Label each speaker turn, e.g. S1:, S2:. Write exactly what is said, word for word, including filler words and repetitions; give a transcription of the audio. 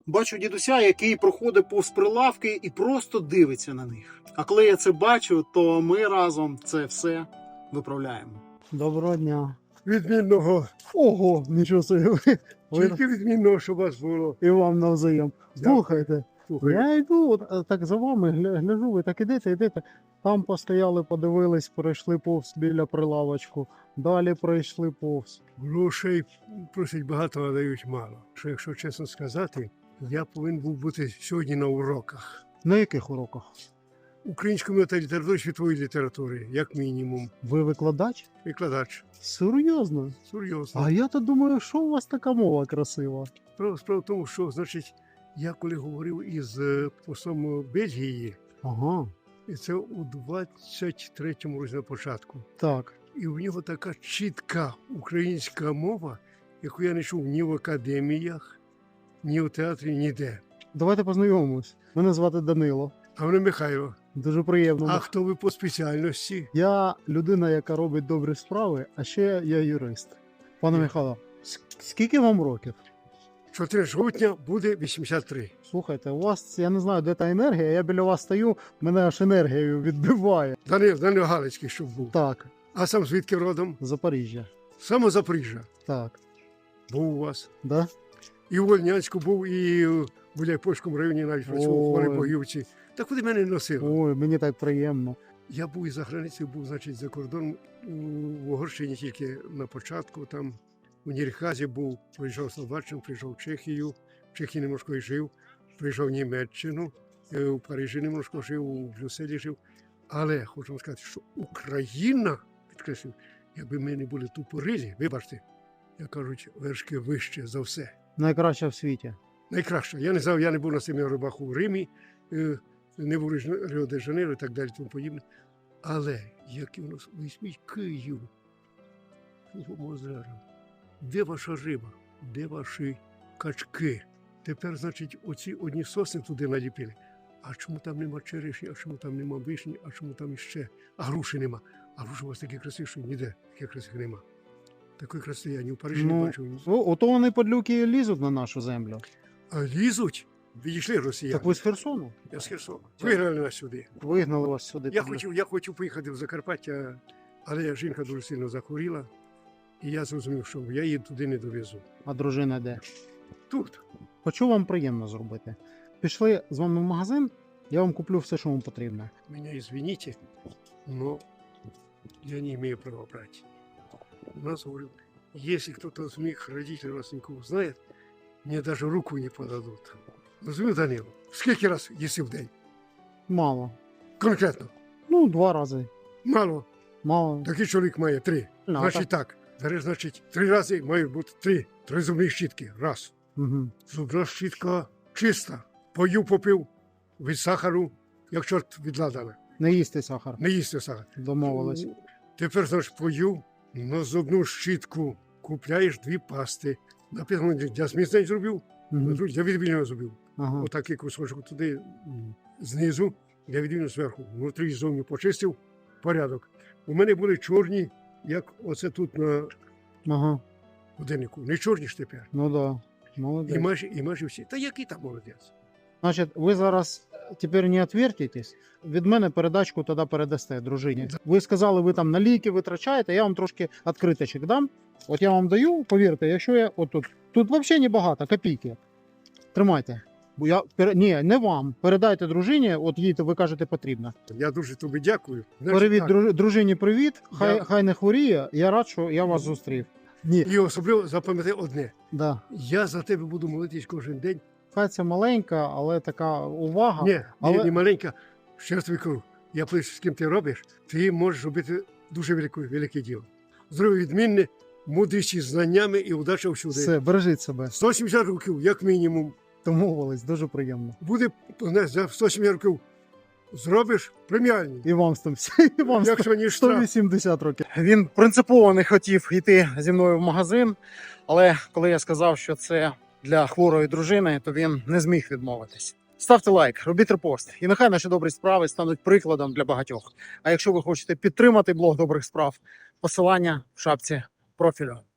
S1: Бачу дідуся, який проходить повз прилавки і просто дивиться на них. А коли я це бачу, то ми разом це все виправляємо. Доброго дня.
S2: Відмінного.
S1: Ого, нічого собі. Ви...
S2: Тільки відмінного, щоб у вас було.
S1: І вам навзаєм.
S2: Дякую.
S1: Слухайте,
S2: Слухай,
S1: я йду, от, е, так за вами гля- гляжу, ви так ідете, ідете. Там постояли, подивились, пройшли повз біля прилавочку. Далі пройшли повз.
S2: грошей просять багато, а дають мало. Що, якщо чесно сказати, я повинен був бути сьогодні на уроках
S1: На яких уроках?
S2: української та літератури, світової літератури, як мінімум.
S1: Ви викладач?
S2: Викладач.
S1: Серйозно?
S2: Серйозно.
S1: А я то думаю, що у вас така мова красива.
S2: Справа, справа в тому, що, значить, я коли говорив із е, послом Бельгії,
S1: Ага,
S2: і це у двадцять третьому році на початку,
S1: так.
S2: і в нього така чітка українська мова, яку я не чув ні в академіях, ні в театрі, ніде.
S1: Давайте познайомимось. Мене звати Данило.
S2: А мене Михайло.
S1: Дуже приємно.
S2: А хто ви по спеціальності?
S1: Я людина, яка робить добрі справи, а ще я юрист. Пане
S2: Ні.
S1: Михайло, с- скільки вам років?
S2: чотирнадцятого жовтня буде вісімдесят три.
S1: Слухайте, у вас, я не знаю, де та енергія, я біля вас стою, мене аж енергією відбиває.
S2: Данил, Данил Галицький, щоб був.
S1: Так,
S2: А сам звідки родом?
S1: Запоріжжя.
S2: Саме Запоріжжя.
S1: Так,
S2: Був у вас.
S1: да?
S2: І в Вольнянську був, і в Гуляйпольському районі навіть працював у
S1: Ой.
S2: Богівці. Та куди мене носило?
S1: Ой, мені так приємно.
S2: Я був і за границею, був, значить, за кордоном у Угорщині тільки на початку, там у Нірхазі був, приїжджав Словаччину, приїжджав в Чехію, в Чехії немножко і жив, приїжджав в Німеччину, е, у Парижі немножко жив, у Брюсселі жив. Але хочу вам сказати, що Україна, підкреслюю, якби ми не були тупорилі, вибачте, як кажуть, вершки вище за все.
S1: Найкраще в світі.
S2: Найкраще. Я не знав, я не був на семи рибах у Римі, е, не був в Ріо де Жанейро і так далі, тому подібне. Але як у нас візьміть Київ, озеро, де ваша риба, де ваші качки? Тепер, значить, оці одні сосни туди наліпили. А чому там нема черешні, а чому там нема вишні, а чому там іще? А груші нема. А груші у вас такі красиві, що ніде таких красивих нема. Такої краси я ні в Парижі не
S1: Ну,
S2: бачив. ні.
S1: о, ото вони подлюки лізуть на нашу землю.
S2: А лізуть, відійшли росіяни.
S1: Так ви з Херсону?
S2: Я з Херсона. Вигнали нас сюди.
S1: Вигнали вас сюди.
S2: Я
S1: туди.
S2: хотів, я хотів поїхати в Закарпаття, але жінка дуже сильно захворіла, і я зрозумів, що я її туди не довезу.
S1: А дружина де?
S2: Тут.
S1: Хочу вам приємно зробити. Пішли з вами в магазин, я вам куплю все, що вам потрібно.
S2: Меня извините, но я не имею права брать. У нас, говорю, если кто-то из моих родителей, родственников узнает, мне даже руку не подадут. Розумію, Данило, скільки раз їси в день?
S1: Мало.
S2: Конкретно.
S1: Ну, два рази.
S2: Мало.
S1: Мало.
S2: Такий чоловік має три.
S1: Ну,
S2: Значить так. Зараз, значить, три рази мають бути три. Три зубні щітки. Раз.
S1: Угу.
S2: Зубна щітка чиста. Пою попив від сахару, як чорт від ладана.
S1: Не їсти сахар.
S2: Не їсти сахар.
S1: Домовились.
S2: Тепер, значить, пою на зубну щітку купляєш дві пасти. Написано, я зміцнень зробив,
S1: Угу.
S2: я відвільно зробив.
S1: Ага.
S2: Отакий кусочок туди знизу, я відвільно зверху. Внутрі і зовні почистив, порядок. У мене були чорні, як оце тут на
S1: Ага.
S2: годиннику. Не чорні ж тепер.
S1: Ну да. Молодець.
S2: І майже, і майже всі. Та який там молодець?
S1: Значить, ви зараз тепер не відвертитесь. Від мене передачку тоді передасте дружині. Ви сказали, ви там на ліки витрачаєте, я вам трошки відкриточок дам. От я вам даю, повірте, якщо я отут. Тут взагалі небагато, копійки. Тримайте. Бо я пере- ні, не вам. Передайте дружині, от їй то ви кажете потрібно.
S2: Я дуже тобі дякую. Знаєш,
S1: Привіт,
S2: так.
S1: друж- дружині, привіт. Хай,
S2: Я-
S1: хай не хворіє. Я рад, що я вас зустрів. Ні,
S2: І особливо запам'ятай одне.
S1: да.
S2: Я за тебе буду молитись кожен день.
S1: Хай це маленька, але така увага.
S2: Ні,
S1: але-
S2: ні, не маленька. Ще раз тобі кажу, я плюс з ким ти робиш, ти можеш робити дуже велике, велике діло. Здоров'я відмінне, мудрість із знаннями і удача всюди.
S1: Все, бережіть себе.
S2: сто сімдесят років, як мінімум,
S1: Домовились, дуже приємно.
S2: буде не, за сто сімдесят років зробиш преміальні.
S1: І вам сто, і вам сто,
S2: Якщо ні
S1: сто
S2: штраф.
S1: вісімдесят років. Він принципово не хотів йти зі мною в магазин, але коли я сказав, що це для хворої дружини, то він не зміг відмовитись. Ставте лайк, робіть репост, і нехай наші добрі справи стануть прикладом для багатьох. А якщо ви хочете підтримати блог добрих справ, посилання в шапці профілю.